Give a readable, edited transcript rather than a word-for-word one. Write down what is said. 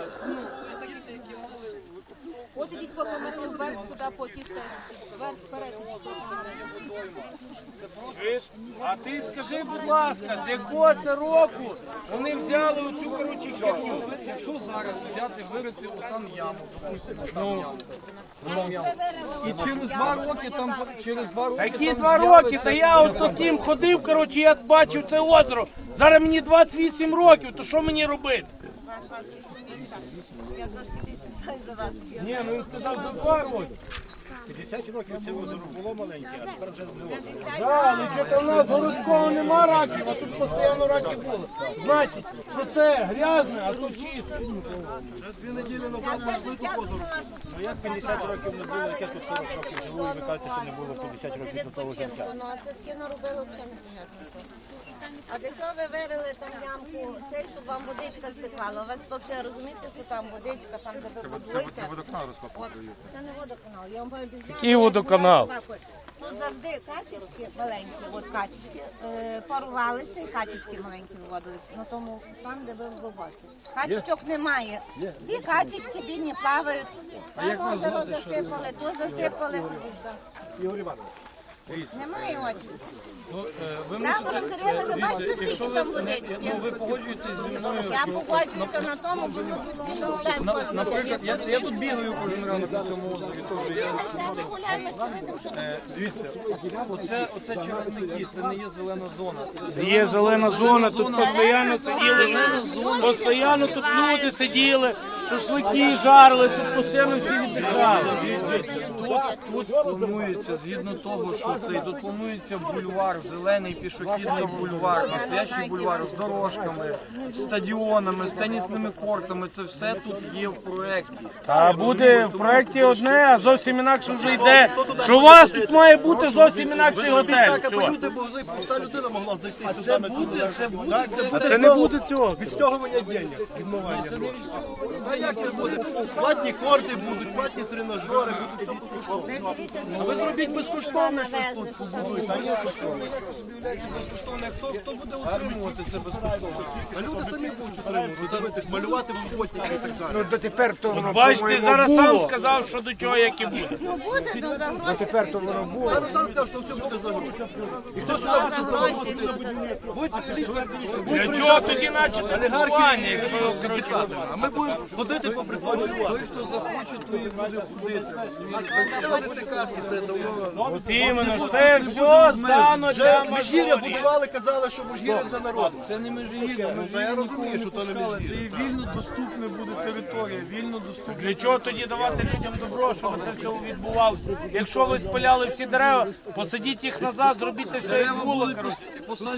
От ідіть по камеру вверх сюди, по ті стежці. Вверх, вперед. А ти скажи, будь ласка, з якого це року вони взяли оцю, коротше, херню? Якщо зараз взяти, вирити отам яму, допустимо, там яму. І через 2 роки там, Які 2 роки? Та я от таким ходив, коротше, я бачив це озеро. Зараз мені 28 років, то що мені робити? Я трошки більше знаю за вас. Ні, ну він сказав за 2 роки. 50 років це озеро було маленьке, а тепер вже не озеро. Так, ну що-то в нас городського нема раків, а тут постійно раки були. Значить, що це грязне, а тут чисто. Ну як 50 років не було, як я тут 40 років живу, і ви кажете, що не було 50 років до того життя. Ну, це таке наробило взагалі непонятно що. А для чого ви вирили там ямку, цей, щоб вам водичка стихала? У вас взагалі розумієте, що там водичка, там де ви будуєте? Це водоканал розкопує. Це не водоканал. Я вам повідомляю. Який водоканал? Тут завжди качечки маленькі, от качечки, парувалися і качечки маленькі виводилися. На тому, там, де ви глибокі. Качечок немає. І качечки бідні плавають. Там озеро засипали, то засипали. Ігор Іванович, Немає очі. ви Там розрили, ви бачите, скільки там водички. ви погоджуєтесь зі мною, Я погоджуюся на тому, бо ми гуляємо кожен наприклад, я тут бігаю кожен ранок на цьому озері, теж я. Ми гуляємо, що видимо, що там. Дивіться, оце чагарники, це не є зелена зона. Є зелена зона, тут постійно сиділи, постійно тут люди сиділи, шашлики жарили, тут постійно всі віддихали. Тут планується, згідно того, що тут планується бульвар, зелений пішохідний бульвар, настоящий бульвар з дорожками, з стадіонами, з тенісними кортами, це все тут є в проєкті. А буде в проєкті одне, а зовсім інакше вже йде, що у вас тут має бути зовсім інакший готель. Все. Та людина могла зайти. А це буде, А це не буде цього. Відстягування денег, відмивання. А як це буде? Платні корти будуть, платні тренажери, будуть все безкоштовно. А ви зробіть безкоштовне щось тут побудуєте, а ні безкоштовне. Хто буде утримувати це безкоштовно? А люди самі будуть утримувати, дивитись, малювати в суботники і так далі. Бачите, зараз сам сказав, що до чого як і буде. Ну буде, ну за гроші. Зараз сам сказав, що все буде за гроші. І хто сюди За гроші, що за це. Для чого тоді начати будування, якщо, коротше, А ми будемо ходити по прикладу. Хто захоче, то і буде ходити. Ходити казки, це давно. от іменно, що це все стане для Межгір'я мажорів. будували, казали, що Межгір'я для народу. Це не межгір'я, Я розумію, що то не це Межгір'я. і вільно доступна буде територія, вільно доступна. Для чого тоді давати людям добро, щоб це все відбувалося? Якщо ви спиляли всі дерева, посадіть їх назад, зробіть те все, як було, коротше.